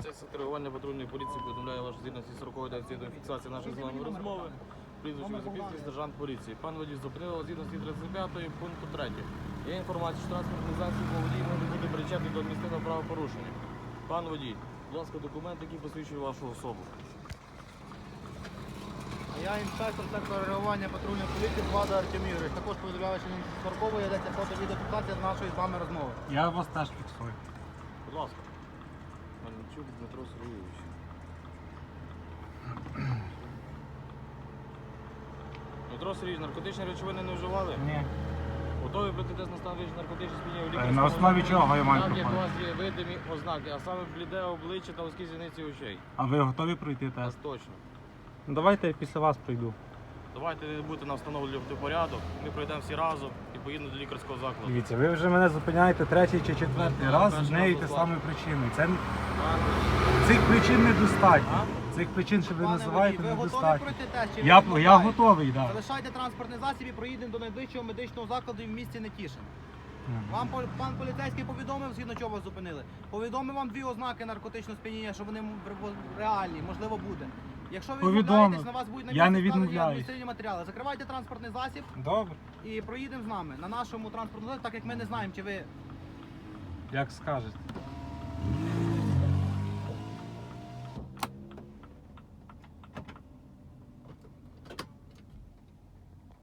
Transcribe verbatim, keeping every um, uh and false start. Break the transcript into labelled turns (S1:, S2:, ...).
S1: Це реагування патрульної поліції повідомляє вашу згідності сорокової та до фіксації нашої з вами розмови. Прізвище Запільський сержант поліції. Пан водій зупинив згідності тридцять п'ятої пункту третього. Є інформація, що транспортний засіб водій може бути причетний до адміністративного правопорушення. Пан водій, будь ласка, документ, який посвідчує вашу особу.
S2: Я інспектор сектору реагування патрульної поліції Влада Артем Ігорович. Також повідомляю, що сорокової йдеться фото-відеофіксація з нашої з вами розмови.
S3: Я вас теж фіксую.
S1: Будь ласка. Мельничук Дмитро Сергійович. Дмитро Сергійович, наркотичні речовини не вживали?
S3: Ні.
S1: Готові пройти тест на стан вищих наркотичних сп'яніння у
S3: Е,
S1: лікарському
S3: На основі
S1: закладі?
S3: чого я маю
S1: Там, як у
S3: проходити?
S1: вас є видимі ознаки, а саме бліде обличчя та вузькі зіниці очей.
S3: А ви готові пройти
S1: Нас
S3: тест?
S1: точно.
S3: Ну, давайте я після вас пройду.
S1: Давайте ви будете нам встановлювати порядок, ми пройдемо всі разом і поїдемо до лікарського закладу.
S3: Дивіться, ви вже мене зупиняєте третій чи четвертий
S1: Ну,
S3: раз з
S1: перший
S3: нею
S1: раз
S3: те
S1: оплачу.
S3: самою причиною. Це
S1: Пан
S3: цих причин недостатньо.
S1: А?
S3: Цих причин, що ви
S2: Пане
S3: називаєте,
S2: водій, ви готові
S3: недостатньо.
S2: пройти тест? Чи ви
S3: Я, я
S2: відмовляєте?
S3: готовий, так.
S2: Залишайте транспортний засіб і проїдемо до найближчого медичного закладу в місті Нетішин.
S3: Да.
S2: Вам пол- пан поліцейський повідомив, згідно чого вас зупинили. Повідомив вам дві ознаки наркотичного сп'яніння, що вони м- в- реальні, можливо, буде. Якщо ви
S3: Повідомив.
S2: відмовляєтесь, на вас будуть на
S3: Я не
S2: місці складені
S3: відмовляюсь.
S2: адміністративні матеріали. Закривайте транспортний засіб
S3: Добре,
S2: і проїдемо з нами на нашому транспортному засобі, так як ми не знаємо, чи ви
S3: як скажете.